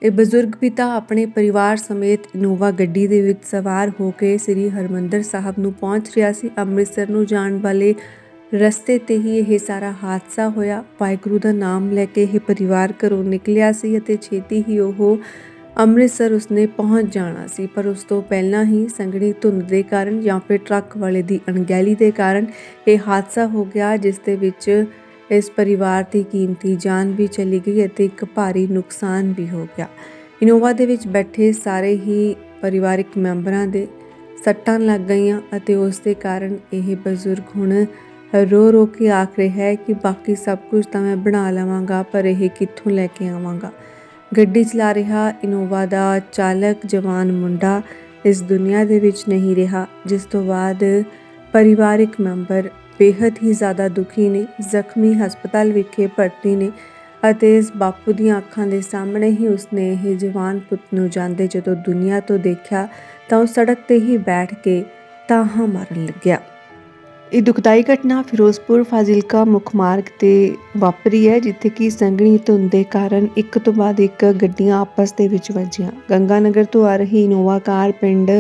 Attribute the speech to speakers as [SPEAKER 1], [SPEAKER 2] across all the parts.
[SPEAKER 1] ਇਹ ਬਜ਼ੁਰਗ ਪਿਤਾ ਆਪਣੇ ਪਰਿਵਾਰ ਸਮੇਤ ਇਨੋਵਾ ਗੱਡੀ ਦੇ ਵਿੱਚ ਸਵਾਰ ਹੋ ਕੇ ਸ੍ਰੀ ਹਰਿਮੰਦਰ ਸਾਹਿਬ ਨੂੰ ਪਹੁੰਚ ਰਿਹਾ ਸੀ। ਅੰਮ੍ਰਿਤਸਰ ਨੂੰ ਜਾਣ ਵਾਲੇ ਰਸਤੇ ਤੇ ਹੀ ਇਹ ਸਾਰਾ ਹਾਦਸਾ ਹੋਇਆ। ਵਾਹਿਗੁਰੂ ਦਾ ਨਾਮ ਲੈ ਕੇ ਇਹ ਪਰਿਵਾਰ ਘਰੋਂ ਨਿਕਲਿਆ ਸੀ ਅਤੇ ਛੇਤੀ ਹੀ ਉਹ ਅੰਮ੍ਰਿਤਸਰ ਉਸਨੇ ਪਹੁੰਚ ਜਾਣਾ ਸੀ, ਪਰ ਉਸ ਤੋਂ ਪਹਿਲਾਂ ਹੀ ਸੰਘਣੀ ਧੁੰਦ ਦੇ ਕਾਰਨ ਜਾਂ ਫਿਰ ਟਰੱਕ ਵਾਲੇ ਦੀ ਅਣਗਹਿਲੀ ਦੇ ਕਾਰਨ ਇਹ ਹਾਦਸਾ ਹੋ ਗਿਆ, ਜਿਸ ਦੇ ਵਿੱਚ ਇਸ ਪਰਿਵਾਰ ਦੀ ਕੀਮਤੀ ਜਾਨ ਵੀ ਚਲੀ ਗਈ ਅਤੇ ਇੱਕ ਭਾਰੀ ਨੁਕਸਾਨ ਵੀ ਹੋ ਗਿਆ। ਇਨੋਵਾ ਦੇ ਵਿੱਚ ਬੈਠੇ ਸਾਰੇ ਹੀ ਪਰਿਵਾਰਕ ਮੈਂਬਰਾਂ ਦੇ ਸੱਟਾਂ ਲੱਗ ਗਈਆਂ ਅਤੇ ਉਸ ਦੇ ਕਾਰਨ ਇਹ ਬਜ਼ੁਰਗ ਹੁਣ ਰੋ ਕੇ ਆਖ ਰਿਹਾ ਹੈ ਕਿ ਬਾਕੀ ਸਭ ਕੁਝ ਤਾਂ ਮੈਂ ਬਣਾ ਲਵਾਂਗਾ, ਪਰ ਇਹ ਕਿੱਥੋਂ ਲੈ ਕੇ ਆਵਾਂਗਾ। ਗੱਡੀ ਚਲਾ ਰਿਹਾ ਇਨੋਵਾ ਦਾ ਚਾਲਕ ਜਵਾਨ ਮੁੰਡਾ ਇਸ ਦੁਨੀਆ ਦੇ ਵਿੱਚ ਨਹੀਂ ਰਿਹਾ, ਜਿਸ ਤੋਂ ਬਾਅਦ ਪਰਿਵਾਰਕ ਮੈਂਬਰ ਬੇहद ਹੀ ਜ਼ਿਆਦਾ ਦੁਖੀ ਨੇ, ਜ਼ਖਮੀ ਹਸਪਤਾਲ ਵਿਖੇ ਭਰਤੀ ਨੇ ਅਤੇ ਇਸ ਬਾਪੂ ਦੀਆਂ ਅੱਖਾਂ ਦੇ ਸਾਹਮਣੇ ਹੀ ਉਸਨੇ ਇਹ ਜਵਾਨ ਪੁੱਤ ਨੂੰ ਜਾਂਦੇ ਜਦੋਂ ਦੁਨੀਆ ਤੋਂ ਦੇਖਿਆ ਤਾਂ ਉਹ ਸੜਕ ਤੇ ਹੀ ਬੈਠ ਕੇ ਤਾਹਾਂ ਮਾਰਨ ਲੱਗਿਆ। ਇਹ ਦੁਖਦਾਈ ਘਟਨਾ ਫਿਰੋਜ਼ਪੁਰ ਫਾਜ਼ਿਲਕਾ ਮੁੱਖ ਮਾਰਗ ਤੇ ਵਾਪਰੀ ਹੈ, ਜਿੱਥੇ ਕਿ ਸੰਘਣੀ ਧੁੰਦ ਦੇ ਕਾਰਨ ਇੱਕ ਤੋਂ ਬਾਅਦ ਇੱਕ ਗੱਡੀਆਂ ਆਪਸ ਦੇ ਵਿੱਚ ਵੱਜੀਆਂ। ਗੰਗਾਨਗਰ ਤੋਂ ਆ ਰਹੀ ਇਨੋਵਾ ਕਾਰ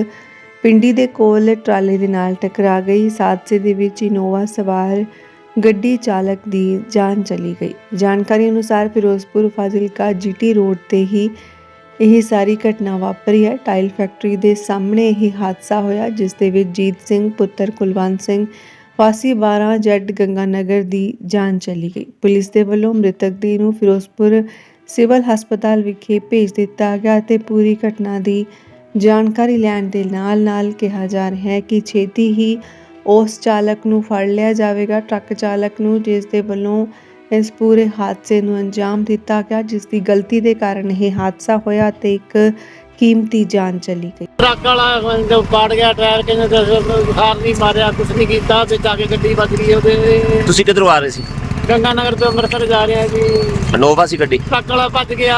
[SPEAKER 1] ਪਿੰਡੀ ਦੇ ਕੋਲ ਟਰਾਲੇ ਦੇ ਨਾਲ ਟਕਰਾ ਗਈ। ਇਸ ਹਾਦਸੇ ਦੇ ਵਿੱਚ ਇਨੋਵਾ ਸਵਾਰ ਗੱਡੀ ਚਾਲਕ ਦੀ ਜਾਨ ਚਲੀ ਗਈ। ਜਾਣਕਾਰੀ ਅਨੁਸਾਰ ਫਿਰੋਜ਼ਪੁਰ ਫਾਜ਼ਿਲਕਾ GT ਰੋਡ ਤੇ ਹੀ ਇਹ ਸਾਰੀ ਘਟਨਾ ਵਾਪਰੀ ਹੈ। ਟਾਇਲ ਫੈਕਟਰੀ ਦੇ ਸਾਹਮਣੇ ਇਹ ਹਾਦਸਾ ਹੋਇਆ, ਜਿਸ ਦੇ ਵਿੱਚ ਜੀਤ ਸਿੰਘ ਪੁੱਤਰ ਕੁਲਵੰਤ ਸਿੰਘ ਵਾਸੀ 12Z ਗੰਗਾਨਗਰ ਦੀ ਜਾਨ ਚਲੀ ਗਈ। ਪੁਲਿਸ ਦੇ ਵੱਲੋਂ ਮ੍ਰਿਤਕ ਦੀ ਨੂੰ ਫਿਰੋਜ਼ਪੁਰ ਸਿਵਲ ਹਸਪਤਾਲ ਵਿਖੇ ਭੇਜ ਦਿੱਤਾ ਗਿਆ ਅਤੇ ਪੂਰੀ ਘਟਨਾ ਦੀ ਜਾਣਕਾਰੀ ਲੈਣ ਦੇ ਨਾਲ ਕਿਹਾ ਜਾ ਰਿਹਾ ਹੈ ਕਿ ਛੇਤੀ ਹੀ ਉਸ ਚਾਲਕ ਨੂੰ ਫੜ ਲਿਆ ਜਾਵੇਗਾ, ਟਰੱਕ ਚਾਲਕ ਨੂੰ, ਜਿਸ ਦੇ ਵੱਲੋਂ ਇਸ ਪੂਰੇ ਹਾਦਸੇ ਨੂੰ ਅੰਜਾਮ ਦਿੱਤਾ ਗਿਆ, ਜਿਸ ਦੀ ਗਲਤੀ ਦੇ ਕਾਰਨ ਇਹ ਹਾਦਸਾ ਹੋਇਆ ਤੇ ਇੱਕ ਕੀਮਤੀ ਜਾਨ ਚਲੀ ਗਈ।
[SPEAKER 2] ਟਰੱਕ ਵਾਲਾ ਜੋ ਪਾੜ ਗਿਆ ਟਾਇਰ, ਕਹਿੰਦੇ ਹਾਰ ਨਹੀਂ ਮਾਰਿਆ, ਕੁਛ ਨਹੀਂ ਕੀਤਾ ਤੇ ਜਾ ਕੇ ਗੱਡੀ ਵੱਜ ਗਈ ਉਹਦੇ।
[SPEAKER 3] ਤੁਸੀਂ ਕਿੱਧਰੋਂ ਆ ਰਹੇ ਸੀ?
[SPEAKER 2] ਗੰਗਾਨਗਰ ਤੋਂ ਅੰਮ੍ਰਿਤਸਰ ਜਾ ਰਿਹਾ ਜੀ।
[SPEAKER 3] ਇਨੋਵਾ ਸੀ ਗੱਡੀ?
[SPEAKER 2] ਟਰੱਕ ਵਾਲਾ ਭੱਜ ਗਿਆ।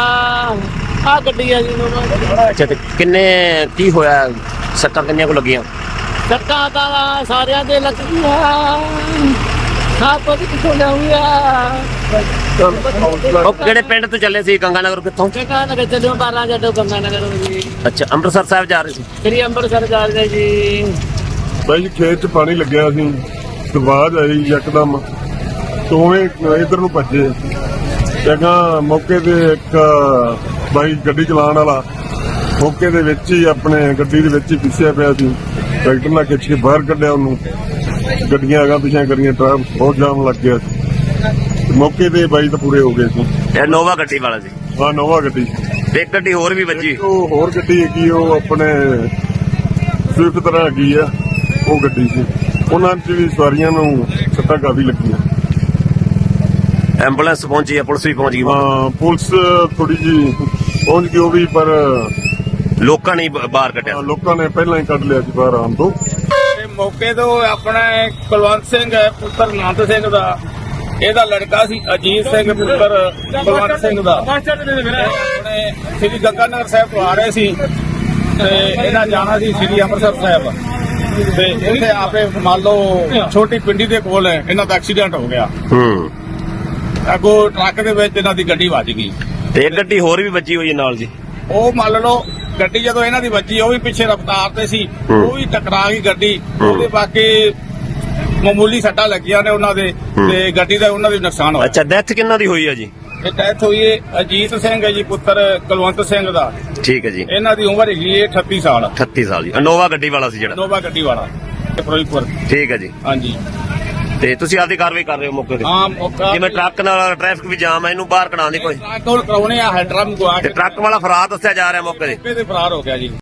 [SPEAKER 2] ਆਹ ਗੱਡੀ ਆ ਜੀ ਇਨੋਵਾ।
[SPEAKER 3] ਅੱਛਾ, ਤੇ ਕੀ ਹੋਇਆ? ਸੱਟਾਂ ਕਿੰਨੀਆਂ ਕੁ ਲੱਗੀਆਂ?
[SPEAKER 2] ਸੱਟਾਂ ਤਾਂ ਸਾਰਿਆਂ ਦੇ ਲੱਗ ਗਈਆਂ। ਹਾਂ, ਪਤਾ ਕਿੱਥੋਂ ਲਿਆਉਂਗਾ।
[SPEAKER 3] ਉਹ ਕਿਹੜੇ ਪਿੰਡ ਤੋਂ ਚੱਲੇ ਸੀ? ਗੰਗਾਨਗਰ ਕਿੱਥੋਂ?
[SPEAKER 2] ਗੰਗਾਨਗਰ ਚੱਲਿਓ 12 ਗੰਗਾਨਗਰ ਜੀ।
[SPEAKER 3] ਅੱਛਾ, ਅੰਮ੍ਰਿਤਸਰ ਸਾਹਿਬ ਜਾ ਰਹੇ ਸੀ?
[SPEAKER 2] ਸ੍ਰੀ ਅੰਮ੍ਰਿਤਸਰ ਜਾ ਰਹੇ ਜੀ।
[SPEAKER 4] ਬਾਈ ਖੇਤ 'ਚ ਪਾਣੀ ਲੱਗਿਆ ਸੀ, ਆਵਾਜ਼ ਆਈ ਯਕਦਮ, ਦੋਵੇਂ ਇਧਰ ਨੂੰ ਭੱਜੇ। ਜਗ੍ਹਾ ਮੌਕੇ ਤੇ ਇੱਕ ਬਾਈ ਗੱਡੀ ਚਲਾਉਣ ਵਾਲਾ ਮੌਕੇ ਦੇ ਵਿੱਚ ਹੀ ਆਪਣੇ ਗੱਡੀ ਦੇ ਵਿੱਚ ਹੀ ਪਿੱਛੇ ਪਿਆ ਸੀ। ਟਰੈਕਟਰ ਨਾਲ ਖਿੱਚ ਕੇ ਬਾਹਰ ਕੱਢਿਆ ਉਹਨੂੰ। ਗੱਡੀਆਂ ਅਗਾਂ ਪਿੱਛੇ ਕਰੀਆਂ, ਟ੍ਰੈਫਿਕ ਬਹੁਤ ਜਾਮ ਲੱਗ ਗਿਆ ਸੀ। ਮੌਕੇ ਤੇ ਬਾਈ ਤਾਂ ਪੂਰੇ ਹੋ ਗਏ ਸੀ।
[SPEAKER 3] ਇਹ ਇਨੋਵਾ ਗੱਡੀ ਵਾਲਾ ਸੀ?
[SPEAKER 4] ਹਾਂ, ਨੋਵਾ ਗੱਡੀ।
[SPEAKER 3] ਇੱਕ ਗੱਡੀ ਹੋਰ ਵੀ ਵੱਜੀ?
[SPEAKER 4] ਉਹ ਹੋਰ ਗੱਡੀ ਹੈਗੀ, ਉਹ ਆਪਣੇ ਸਵਿਫਟ ਤਰ੍ਹਾਂ ਹੈਗੀ ਆ, ਉਹ ਗੱਡੀ ਸੀ। ਉਹਨਾਂ 'ਚ ਵੀ ਸਵਾਰੀਆਂ ਨੂੰ ਸੱਟਾਂ ਕਾਫੀ ਲੱਗੀਆਂ।
[SPEAKER 3] ਐਂਬੂਲੈਂਸ ਪਹੁੰਚੀ ਹੈ? ਪੁਲਿਸ ਵੀ ਪਹੁੰਚ ਗਈ?
[SPEAKER 4] ਹਾਂ, ਪੁਲਿਸ ਥੋੜੀ ਜੀ ਪਹੁੰਚ ਗਈ ਉਹ ਵੀ, ਪਰ
[SPEAKER 3] ਲੋਕਾਂ ਨੇ ਬਾਹਰ ਕੱਢਿਆ?
[SPEAKER 4] ਲੋਕਾਂ ਨੇ ਪਹਿਲਾਂ ਹੀ ਕੱਢ ਲਿਆ ਸੀ ਬਾਹਰ ਆਉਣ ਤੋਂ।
[SPEAKER 5] ਮੌਕੇ ਤੋਂ ਆਪਣਾ ਕੁਲਵੰਤ ਸਿੰਘ ਹੈ ਪੁੱਤਰ ਨੰਦ ਸਿੰਘ ਦਾ, ਇਹਦਾ ਲੜਕਾ ਸੀ ਅਜੀਤ ਸਿੰਘ ਪੁੱਤਰ ਕੁਲਵੰਤ ਸਿੰਘ ਦਾ। ਆਪਣੇ ਸ੍ਰੀ ਗੰਗਾਨਗਰ ਸਾਹਿਬ ਤੋਂ ਆ ਰਹੇ ਸੀ ਤੇ ਇਹਨਾਂ ਜਾਣਾ ਸੀ ਸ੍ਰੀ ਅੰਮ੍ਰਿਤਸਰ ਸਾਹਿਬ, ਤੇ ਇੱਥੇ ਆਪੇ ਮੰਨ ਲਓ ਛੋਟੀ ਪਿੰਡੀ ਦੇ ਕੋਲ ਇਹਨਾਂ ਦਾ ਐਕਸੀਡੈਂਟ ਹੋ ਗਿਆ। ਅੱਗੋਂ ਟਰੱਕ ਦੇ ਵਿੱਚ ਇਹਨਾਂ ਦੀ ਗੱਡੀ ਵੱਜ ਗਈ
[SPEAKER 3] ਤੇ ਇੱਕ ਗੱਡੀ ਹੋਰ ਵੀ ਵੱਜੀ ਹੋਈ ਹੈ ਨਾਲ ਜੀ।
[SPEAKER 5] ਉਹ ਮੰਨ ਲਓ ਗੱਡੀ ਜਦੋਂ ਇਹਨਾਂ ਦੀ ਵੱਜੀ, ਉਹ ਵੀ ਪਿੱਛੇ ਰਫ਼ਤਾਰ ਤੇ ਸੀ, ਉਹ ਵੀ ਟਕਰਾ ਗਈ ਗੱਡੀ। ਉਹਦੇ ਬਾਕੀ ਮਾਮੂਲੀ ਸੱਟਾਂ ਲੱਗੀਆਂ ਨੇ ਉਹਨਾਂ ਦੇ, ਤੇ ਗੱਡੀ ਦਾ ਉਹਨਾਂ ਦੀ ਨੁਕਸਾਨ ਹੋਇਆ।
[SPEAKER 3] ਅੱਛਾ, ਡੈਥ ਕਿੰਨਾ ਦੀ ਹੋਈ ਹੈ ਜੀ?
[SPEAKER 5] ਇਹ ਡੈਥ ਹੋਈ ਹੈ ਅਜੀਤ ਸਿੰਘ ਹੈ ਜੀ ਪੁੱਤਰ ਕੁਲਵੰਤ ਸਿੰਘ ਦਾ।
[SPEAKER 3] ਠੀਕ ਹੈ ਜੀ।
[SPEAKER 5] ਇਹਨਾਂ ਦੀ ਉਮਰ ਹੈਗੀ ਹੈ 38 ਸਾਲ।
[SPEAKER 3] 38 ਸਾਲ ਜੀ। ਇਨੋਵਾ ਗੱਡੀ ਵਾਲਾ ਸੀ ਜਿਹੜਾ?
[SPEAKER 5] ਇਨੋਵਾ ਗੱਡੀ ਵਾਲਾ, ਫਿਰੋਜ਼ਪੁਰ।
[SPEAKER 3] ਠੀਕ ਹੈ ਜੀ।
[SPEAKER 5] ਹਾਂਜੀ,
[SPEAKER 3] ਤੇ ਤੁਸੀਂ ਆਪਦੀ ਕਾਰਵਾਈ ਕਰ ਰਹੇ ਹੋ ਮੌਕੇ ਤੇ?
[SPEAKER 5] ਹਾਂ, ਮੌਕਾ
[SPEAKER 3] ਜਿਵੇਂ ਟਰੱਕ ਨਾਲ ਟ੍ਰੈਫਿਕ ਵੀ ਜਾਮ ਹੈ, ਇਹਨੂੰ ਬਾਹਰ ਕਢਾਉਣ ਦੀ ਕੋਈ?
[SPEAKER 5] ਟਰੱਕ ਕੋਲ ਕਰਾਉਣੇ ਆ, ਹੈਡਰਮ ਗਵਾ ਕੇ
[SPEAKER 3] ਤੇ ਟਰੱਕ ਵਾਲਾ ਫਰਾਰ ਦੱਸਿਆ ਜਾ ਰਿਹਾ ਮੌਕੇ ਤੇ?
[SPEAKER 5] ਮੌਕੇ ਤੇ ਫਰਾਰ ਹੋ ਗਿਆ ਜੀ।